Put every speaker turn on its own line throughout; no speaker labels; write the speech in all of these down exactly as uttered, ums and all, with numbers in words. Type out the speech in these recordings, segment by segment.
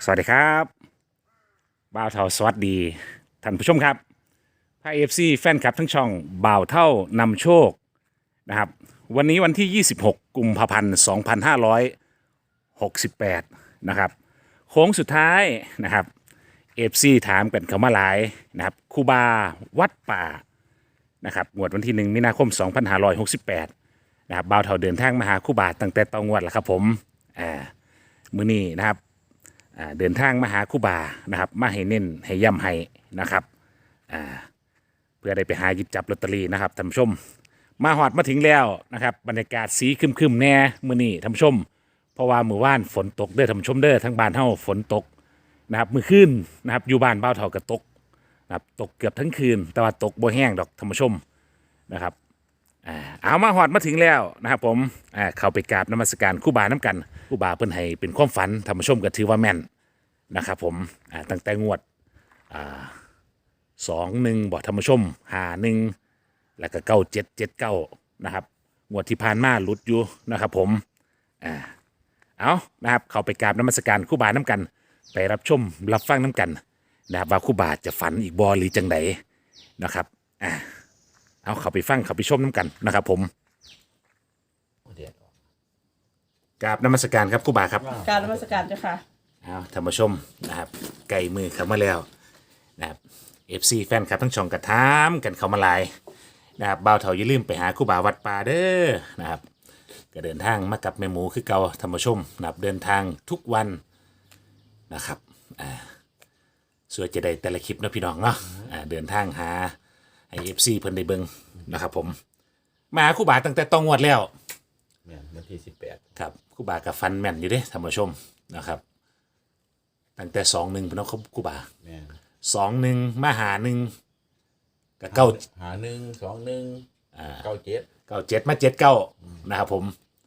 สวัสดีครับบ่าวเท่าสวัสดีท่านผู้ชมครับพาเอฟซีแฟนคลับทั้งช่องบ่าวเท่านำโชคนะครับวันนี้วันที่ยี่สิบหกกุมภาพันธ์สองพันห้าร้อยหกสิบแปดนะครับโค้งสุดท้ายนะครับเอฟซีถามกันเข้ามาหลายนะครับครูบาวัดป่านะครับงวดวันที่หนึ่งมีนาคมสองพันห้าร้อยหกสิบแปดนะครับบ่าวเท่าเดินทางมาหาครูบาตั้งแต่ตองวดแล้วครับผมอ่ามื้อนี้นะครับ อ่าเดินทางมาหาครูบานะครับมาให้เน้นให้ย่ำให้นะครับอ่าเพื่อได้ไปหาหยิบจับลอตเตอรี่นะครับท่านผู้ชมมาหอดมาถึงแล้วนะครับบรรยากาศสีครึมๆแน่มื้อนี้ท่านผู้ชมเพราะว่ามื้อวานฝนตกเด้อท่านผู้ชมเด้อทั้งบ้านเฮาฝนตกนะครับมื้อคืนนะครับอยู่บ้านบ่าวเฒ่าก็ตกนะครับตกเกือบทั้งคืนแต่ว่าตกบ่แห้งดอกท่านผู้ชมนะครับอ่าเอามาหอดมาถึงแล้วนะครับผมอ่าเข้าไปกราบนมัสการครูบาน้ำกันครูบาเพิ่นให้เป็นความฝันท่านผู้ชมก็ถือว่าแม่น นะครับผมอ่าตั้งแต่งวดอ่าสองหนึ่งบอกธรรมชมหาหนึ่งแล้วก็เก้าเจ็ดเจ็ดเก้านะครับงวดที่ผ่านมาหลุดอยู่นะครับผมอ่าเอานะครับเข้าไปกราบน้ำมัสการครู่บาน้ำกันไปรับชมรับฟังน้ำกันนะครับว่าครู่บาจะฝันอีกบอหรือจังไดนะครับอ่าเอาเข้าไปฟังเข้าไปชมน้ำกันนะครับผมกราบน้ำมัสการครับครู่บาครับ
การนมัสการเจ้าค่ะ
เอาท่านผู้ชมนะครับไก่มือเข้ามาแล้วนะครับเอฟซีแฟนคลับทั้งช่องกระทามกันเข้ามาหลายนะครับบ่าวเถาอย่าลืมไปหาครูบาวัดป่าเด้อนะครับก็เดินทางมากับแม่หมูคือเก่าท่านผู้ชมนะครับเดินทางทุกวันนะครับอ่าส่วนจะได้แต่ละคลิปนะพี่น้องเนาะอ่าเดินทางหาไอเอฟซีเพิ่นได้เบิ่งนะครับผมมาหาครูบาตั้งแต่ต้องงวดแล้ว
แม่นวันที่สิบแปด
ครับครูบากับฟันแม่นอยู่เด้ท่านผู้ชมนะครับตั้งแต่สองหนึ่งเป็นน้องครูบา
แม่น
สองหนึ่งมาหาหนึ่งกับเก้า
หาหนึ่งสองหนึ่งอ่าเก้าเจ็ด
เก้าเจ็ดมาเจ็ดเก้านะครับผม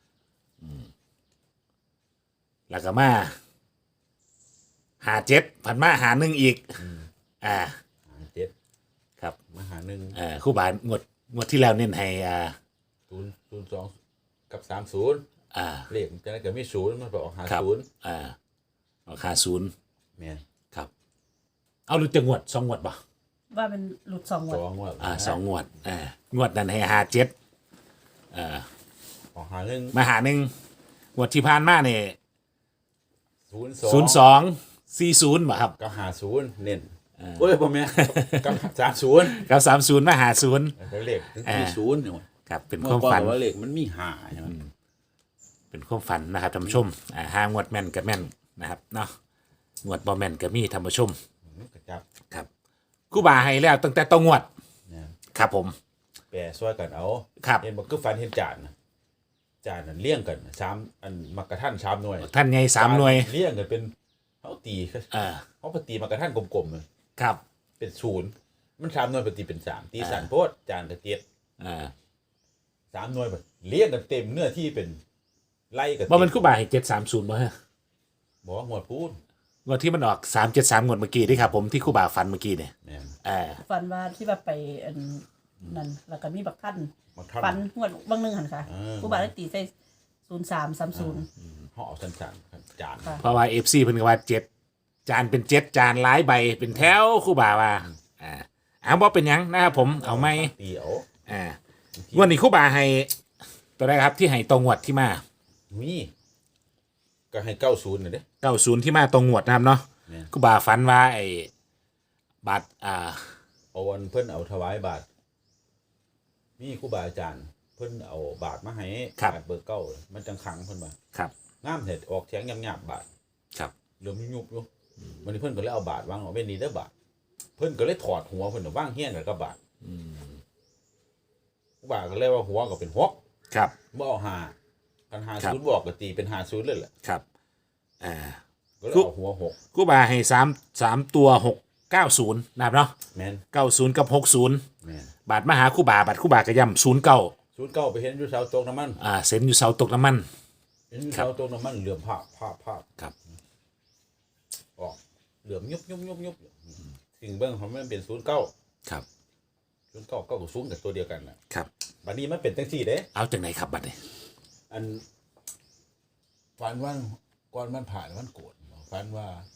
แล้วก็มาหาเจ็ดผันมาหาหนึ่งอีกอ่า
หาเจ็ด
ครับ
มาหาหนึ่ง
อ่าครูบางวดงวดที่แล้วเน้นให้อ่า
ศูนย์ศูนย์สองกับสามศูนย์
อ่า
เลขจะได้เกิดไม่ศูนย์มันบอกหาศูนย์
อ่าออกหาศูนย์
แม่น
ครับเอาหรือจะงวดสองงวดป่ะ
ว่าเป็นหลุดสองงวด
สองงวด
อ่าสองงวดอ่างวดนั้นให้หาเจ็ดอ่า
ออกหาหนึ่ง
มาหาหนึ่งงวดที่ผ่านมาเนี่ย
ศูนย์
ศูนย์สองสี่ศูนย์บ่ครับ
กับหาศูนย์เน้นโอ้ยพ่อแม่กับสามศูนย์
กับสามศูนย์มาหาศูนย์
เลขถึงมีศูนย์เนี่ย
ครับเป็นความฝัน
ว่าเลขมันมีหาใช่ไหม
เป็นความฝันนะครับท่านผู้ชมอ่าห้างวดแม่นกับแม่นนะครับเนาะงวดบ่แม่นกับมีท่านผู้ชมครับครูบาให้แล้วตั้งแต่ต้องงวดครับผม
แปรช่วยกันเอา
ครับ
เห็นบอกคือฟันเห็นจานจานนั่นเลี้ยงกันสามอันมักกะท่านสามหน่วย
ท่านไงสามหน่วย
เลี้ยงกันเป็นเขาตี
อ่า
เขาปฏิมักกะท่านกลมๆเลย
ครับ
เป็นศูนย์มันสามหน่วยปฏิเป็นสามตีสันโพดจานกระเจี๊ยบ
อ่า
สามหน่วยแบบเลี้ยงกันเต็มเนื้อที่เป็นไล่กัน
บ่มันครูบาให้เจ็ดสามศูนย์บ่ฮะ
บอกว่าหมวดพูด
งวดที่มันออกสามเจ็ดสามงวดเมื่อกี้ที่ครับผมที่ครูบาฟันเมื่อกี้เนี่ยอ่า
ฟันว่าที่ว่าไปอันนั่นแล้วก็มีบักท่านฟันงวดบางนึงหันค่ะครูบาได้ตีใส่ศูนย์สามสามศูนย์
ห่อสันสันจาน
เพราะว่าเอฟซีเพิ่นก็ว่าเจ็ดจานเป็นเจ็ดจานหลายใบเป็นแถวครูบาว่าอ่าเอาบ่เป็นยังนะครับผมเอาไหม
ตีเอา
อ่างวดนี้ครูบาให้ตัวแรกครับที่ให้ตรงงวดที่มา
มีก็ให้เก้าศูนย์น่ะเด้
เก้าศูนย์ที่มาตรงงวดนะครับเนาะครูบาฝันว่าไอ้บาทอ่า
เอาวันเพิ่นเอาถวายบาทมีครูบาอาจารย์เพิ่นเอาบาทมาให้บาทเบอร์เก้ามันจังขังเพิ่นมา
ครับ
งามเห็ดออกเสียงหยาบๆบาท
ครับ
เหลือมยุบอยู่วันนี้เพิ่นก็เลยเอาบาทวางเอาไว้นี่เด้อบาทเพิ่นก็เลยถอดหัวเพิ่นวางเฮี้ยนกันกับบาท
อืม
ครูบาก็เลยว่าหัวก็เป็นหก
ครับ
บ่เอาหากันหาศูนย์บอกก็ตีเป็นหาศูนย์เลยแหละ
ครับอ่า
ก็เลยเอาหัวหก
ครูบาให้สามสามตัวหกเก้าศูนย์นะครับเนาะ
แม่น
เก้าศูนย์กับหกศูนย์
แม่น
บาทมาหาครูบาบาทครูบากระย่ำศูนย์เก้า
ศูนย์เก้าไปเห็นอยู่เสาตกน้ำมัน
อ่าเซ็นอยู่เสาตกน้ำมัน
เห็นอยู่เสาตกน้ำมันเหลื่อมภาพภาพภาพ
ครับ
ออกเหลื่อมยุบยุบยุบยุบสิ่งเบื้องของมันเป็นศูนย์เก้า
ครับ
ศูนย์เก้าเก้ากับศูนย์กับตัวเดียวกัน
นะครับ
บัดนี้มันเป็นตั้งสี่เด้
เอาจากไหนครับบัดนี้
อันฝันวันก่อนมันผ่านมันโกรธฝันว่า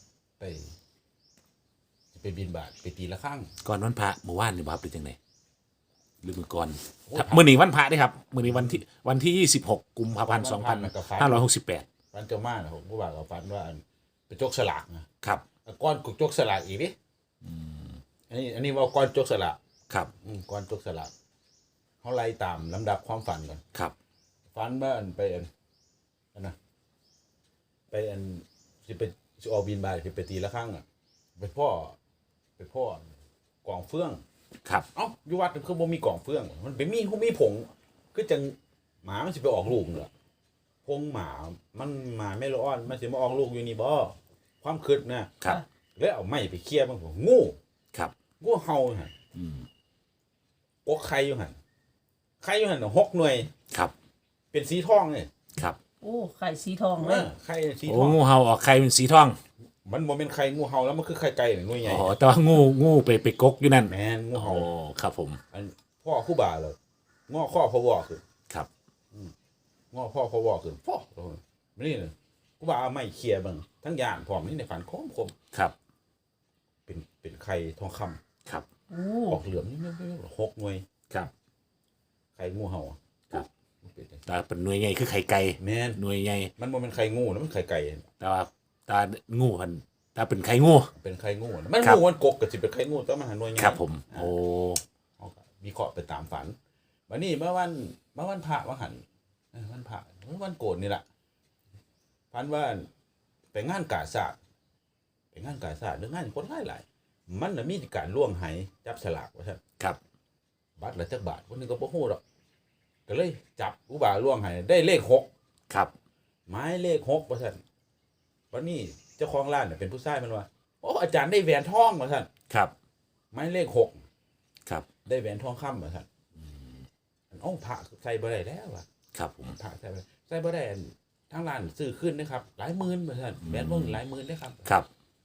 สิไปบินบาทไปตีละครั้ง
ก่อนวันพระเมื่อวานนี่บ่ครับเป็นจังไดหรือมื้อก่อน
โอ้ย
ถ้ามื้อนี้วันพระเด้ครับมื้อนี้วันที่วันที่ยี่สิบหกกุมภาพันธ์สองพันห้าร้อยหกสิบแปด
ฟันเจ้ามาน่ะผมผู้บ่าวกับฟันว่าอันไปจกสลากนะครับ ก้อนกูจกสลากอีกดิอันนี้อันนี้ว่าก้อนจกสลาก
ครับ
อืมก้อนจกสลากเขาไล่ตามลำดับความฝันก่อน
ครับ
ฝันว่าอันไปอันอันนะไปอันสิไปสิออกบินบาทสิไปตีละครั้งอ่ะไปพ่อไปพ่อกองเฟื่อง
ครับ
เอ้าอยู่วัดคือบ่มีกล่องเฟื่อง มันเป็นมีเขามีผงคือจังหมามันสิไปออกลูกเหรอพงหมามันหมาไม่ร้อนมันสิมาออกลูกอยู่นี่บ่ความคิดนะครับ แล้วเอาไม้ไปเคี่ยมันงู
ครับ
งูเห่าหั่นอืมกกไข่อยู่หั่นไข่อยู่หั่นน่ะหกหน่วย
ครับ
เป็นสีทองเลย
ครับ
โอ้ไข่สีทอง
เอ
เลย
อไข่สี
โอ้
ทอง
งูเห่าออกไข่เป็นสีทอง
มันบ่เป็นไข่งูเห่าแล้วมันคือไข่ไก่หน่วยใหญ่
อ๋อแต่ว่างูงูไปไปกกอยู่นั่น
แม่นงู
อ๋อ
เห่า
ครับผม
อันพ่อคู่บ่าเลยงอข้อพอวอคือ
ครับ
งอพ่อพอวอคือพ่อนี่เลยคู่บ่าเอาไม้เคี่ยเบิ่งทั้งย่านพร้อมนี่ในฝันคมคม
ครับ
เป็นเป็นไข่ทองคำ
ครับ
โอ้
ออกเหลืองนี่ไม่ไม่หกหน่วย
ครับ
ไข่งูเห่า
ครับ
มันเป็นจัง
แต่เป็นหน่วยใหญ่คือไข่ไก่
แม่น
หน่วยใหญ่
มันบ่เป็นไข่งูนะมันไข่ไก่
แต่ว่าตางูพันตาเป็นไข่งู
เป็นไข่งูนะมัน
ครับ
งูมันกกก็สิเป็นไข่งูแต่มันหันหน่วยใหญ่
ครับผม
อ่า
โอ้
เอาก็วิเคราะห์ไปตามฝันวันนี้เมื่อวันเมื่อวันพระว่าหันเออวันพระเมื่อวันโกนนี่แหละฝันว่าไปงานกาศาสตร์ไปงานกาศาสตร์เรื่องงานคนหลายหลายๆมันน่ะมีการล่วงไหจับฉลากว่าซั่น
ครับ
บัตรละจักบาทคนหนึงก็บ่ฮู้ดอกก็เลยจับอุบาล่วงไหได้เลขหก
ครับ
หมายเลขหกว่าซั่นวันนี้เจ้าของร้านน่ะเป็นผู้ชายมันว่าโอ้อาจารย์ได้แหวนทองว่าซั่น
ครับ
หมายเลขหก
ครับ
ได้แหวนทองคำว่าซั่นอันอ้องพระใส่บ่ได้แล้วว่ะ
ครับผม
พระใส่บ่ได้ใส่บ่ได้อันทางร้านซื้อขึ้นนะครับ หลายหมื่นว่าซั่นแหวนวงหลายหมื่นเด้อครับ
ครับ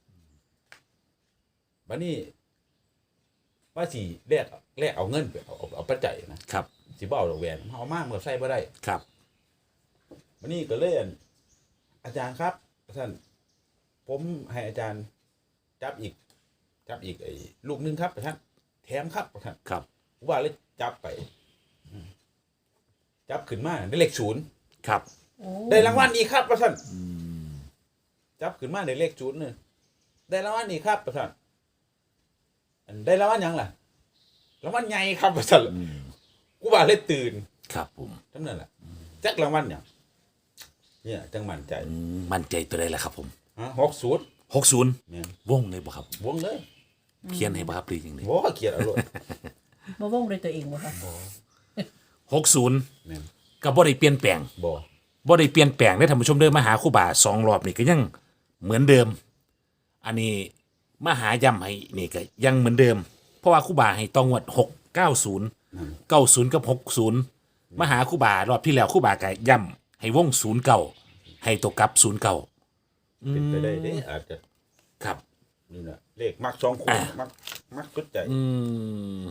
วันนี้ว่าสิแลกแลกเอาเงินไปเอาเอาเอาปัจจัยนะครับ สิบ่เอาดอกแหวนเอามาเมื่อใส่บ่ได้
ครับ
วันนี้ก็เลยอั่นอาจารย์ครับท่านผมให้อาจารย์จับอีก จับอีกไอ้ลูกหนึงครับท่านแถมครับท่าน
ครับ
ว่าเลยจับไปอืมจับขึ้นมาได้เลขศูนย์
ครับ
โอ้
ได้รางวัลอีกครับท่านจับขึ้นมาได้เลขศูนย์เนี่ยได้รางวัลอีกครับท่านอันได้รางวัลหยังล่ะรางวัลใหญ่ครับท่านกูว่าเลยตื่น
ครับผม
ทั้งนั้นแหละจักรางวัลเนี่ยเนี่ยจังมั่นใจ
อืมมั่นใจตัวใดล่ะครับผม
ฮะหกศูนย์
หกศูนย์
เนี่ย
วงเลยบ่ครับ
วงเลย
เขียนให้บ่ครับหรือยังไง
โอ้เกลียดเอารมณ์
บ่ว่องด้วยตัวเองบ่คะ
หกศูนย์
เนี่ย
ก็บ่ได้เปลี่ยนแปลง
บ่
บ่ได้เปลี่ยนแปลงได้อท่านผู้ชมเดินมาหาครู่บ่าสองรอบนี่ก็ยังเหมือนเดิม อันนี้มาหาย่ำให้นี่ก็ยังเหมือนเดิม เพราะว่าครู่บ่าให้ต้องงวดหกเก้าศูนย์เก้าศูนย์กับหกศูนย์มาหาครู่บ่ารอบที่แล้วครู่บ่าก็ย่ำให้วงศูนย์เก้าให้ตัวกลับศูนย์เก้า
เป็นไปได้เด้อาจจะ
ครับ
นี่นะเลขมักสองคนมักมักสุดใจ
อืม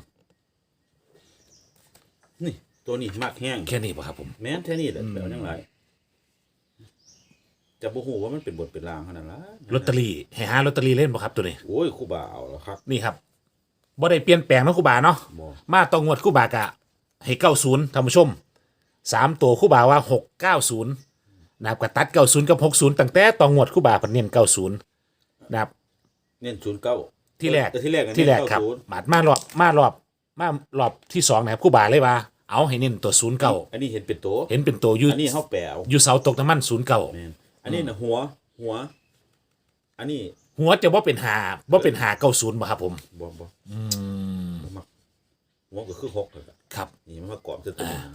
นี่ ตัวนี้มักแห้ง
แค่นี้ป่ะครับผม
แม้นแค่นี้แหละแต่ว่าจังไรจะบ่ฮู้ว่ามันเป็นบทเป็นรางขนาดนั้น
ลอตเตอรี่ให้หาลอตเตอรี่เล่นป่ะครับตัวนี้
โอ้ยครูบาเอาแล้วครับ
นี่ครับบ่ได้เปลี่ยนแปลงนะครู่บ่าเนาะ
บ่
มาตองงวดครู่บ่ากะให้เก้าศูนย์ท่านผู้ชมสามตัวครู่บ่าว่าหกเก้าศูนย์นะครับกระตัดเก้าศูนย์กับหกศูนย์ตั้งแต่ตองงวดครู่บ่าเพิ่นเน้นเก้าศูนย์นะครับ
เน้นศูนย์เก้า
ที่แรก
ที่แรก
ที่แรกครับ
เน้นเาศูนย์
บาดมารอบมารอบมารอบที่สองนะครับครู่บ่าเลยว่าเอาให้เน้นตัวศูนย์เก้า
อันนี้เห็นเป็นตัว
เห็นเป็นตัวอยู
อันนี้เฮาแปลเอา
อยู่เสาตกน้ำมันศูนย์เก้า
แม่นอันนี้น่ะหัว หัว อันนี้
หัวจะว่าเป็นหาว่าเป็นหาเก้าศูนย์บ่ครับผม
บ่บ่
อืม
บ่มักหัวก็คือหกนั่นแหละ
ครับ
นี่มันมากรอบจะตัวนี้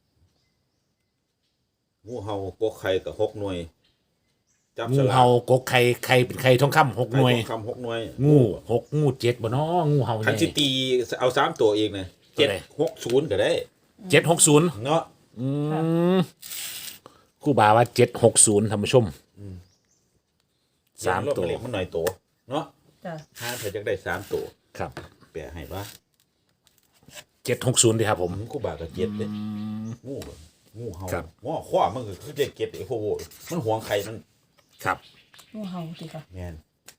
งูเห่ากกไข่กับหกหน่วย จับ
งู
สลาก
เห่ากกไข่ไข่เป็นไข่ทองคำหกหน่วย
ไข่ทองคำหกหน่วย
งูหกงูเจ็ดบ่เนาะงูเห่า
คัน
ให
สิ
ญ่
ตีเอาสามตัวเองนะ
ตั
เจ็
ว
ด
ใด
หกศูนย์ก็ได้
เจ็ดหกศูนย์
เนาะ
อืมครู่บาว่าเจ็ดหกศูนย์ท่านผู้ชมสามตัว
เล็กมันหน่อยตัวเนาะ
จ้ะ
ห้าเธอจะได้สามตัว
ครับ
แปลให้ว่า
เจ็ดหกศูนย์ดีครับผม
กูบาก็เจ็ดเลยงูก็งูเห่า
ครับ
ง้อข้อมันก็คือจะเก็บไอ้พวกโว้ยมันหวงไข่มัน
ครับ
งูเห่าติค่ะ
แม่น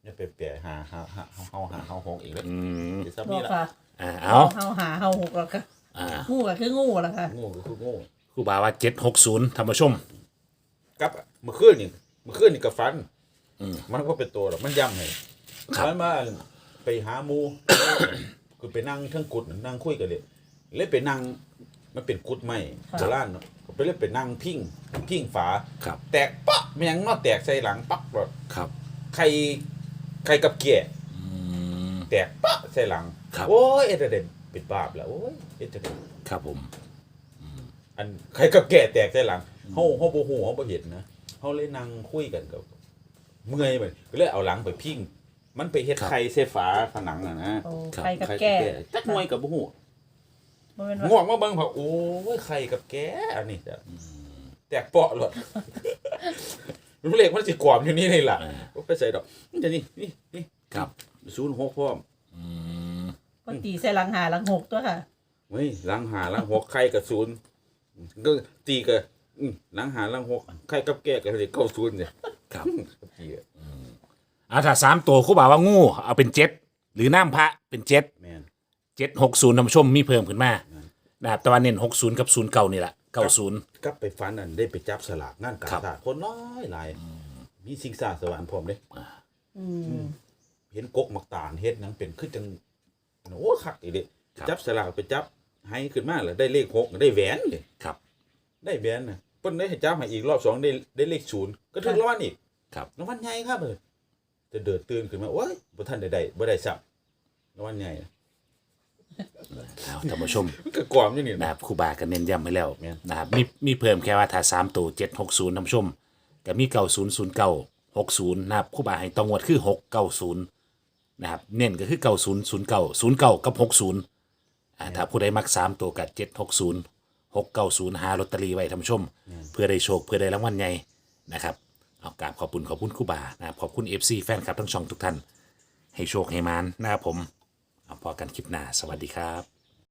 อย่าไปแปะหาหาหาเฮาหาเฮาหกอีกแล้ว
อืม
สิซับ
บอ
นี่
ก
ล่ะ
ค่ะ
อ่าเอา
เฮาหาเฮาหกแล้วค่ะ
อ่า
งูก็คืองูแล้วค่ะ
โง่ก็คือโง่
ครูบาว่าเจ็ดหกศูนย์ท่านผู้ชม
กับเมื่อคืนนี่เมื่อคืนนี่ก็ฝัน
อืม
มันก็เป็นตัวหรอกมันย้ำให้
ครับ
มันมาไปหาหมู คือไปนั่งเทั้งกุดนั่งคุยกันเลยเลยไปนั่งมันเป็นกุดไม้โบราณเนาะไปเลยไปนั่งพิงพิงฝา
ครับ
แตกปะมันยังนอแตกใส่หลังปักรถ
ครับ
ไข่ไข่กับเกีย
อืม
แตกปะใส่หลัง
ครับ
โอ้ยเอ็ดเดนปิดบาปแล้วโอ้ยเอ็ดเดน
ครับผม
อันไข่กับแก่แตกใส่หลังเฮาเฮาบ่ฮู้เฮาบ่เห็นนะเฮาเลยนั่งคุยกันกับเมื่อยไปก็เลยเอาหลังไปพิงมันไปเฮ็ดไข่ใส่ฝาผนังอ่ะนะ
โอ้ไข่กับ
ไข่
แก่
จักหน่วยกับบ่ฮู้
บ่แม่น
ง่ว
ว่าง
มาเบิ่งเผาโอ้ยไข่กับแกอันนี้จ้ะแตกเปาะเลยรู้เลขมันสิกรอบอยู่นี่นี่ล่ะบ่ไปใส่ดอกนี่จะนี่นี่นี่
ครับ
ศูนย์หกพร้อม
อืม
ก็ตีใส่หลังหาหลังหกตัวค่ะ
เฮ้ยหลังหาหลังหกไข่กับศูนย์ก็ตีกับอื้อหลังหาหลังหกไข่กับแกก็เลยเก้าศูนย์เนี่ย
ครับ
ตีอะ
เอาถ้าสามตัวครูบาว่างูเอาเป็นเจ็ดหรือน้ำพระเป็นเจ็ด
แม่น
เจ็ดหกศูนย์ท่านผู้ชมมีเพิ่มขึ้นมานะครับแต่ว่าเน้นหกศูนย์กับศูนย์เก่านี่แหละเก้าศูนย์
กลับไปฝันอันได้ไปจับสลากงานกา
ครับ
ชาติคนน้อยหลายมีสิ่งสาสวรรค์พร้อมเด้
อืม
เห็นกกมักตาลเฮ็ดหนังเป็นคือจังโอ้คักอีเด้จับสลากไปจับให้ขึ้นมาแล้วได้เลขหกได้แหวนเลย
ครับ
ได้แหวนน่ะเพิ่นได้ให้จับให้อีกรอบสองได้ได้เลขศูนย์ก็ถึงรางวัลอีก
ครับ
รางวัลใหญ่ครับเออจะเดือดตื่นขึ้นมาโอ้ยบ่ทันได้ได้บ่ได้ซับรางวัลใหญ่น่ะ
เอาท่านผู้ชม
มันก็กรอบอยู่นี่
นะ
นะครับ
ครูบาก็เน้นย้ำให้แล้ว
แม่น
นะครับมีมีเพิ่มแค่ว่าถ้าสามตัวเจ็ดหกศูนย์ท่านผู้ชมก็มีเก้าศูนย์ศูนย์เก้าหกศูนย์นะครับครูบาให้ตองวดคือหกเก้าศูนย์นะครับเน้นก็คือเก้าศูนย์ศูนย์เก้าศูนย์เก้ากับหกศูนย์อ่าถ้าผู้ใดมักสามตัวกับเจ็ดหกศูนย์หกเก้าศูนย์หาลอตเตอรี่ไว้ท่านผู้ชม เพื่อได้โชคเพื่อได้รางวัลใหญ่นะครับเอากราบขอบคุณขอบคุณครูบานะครับขอบคุณเอฟซีแฟนคลับทั้งช่องทุกท่านให้โชคให้มานนะครับผมเอาพอกันคลิปหน้าสวัสดีครับ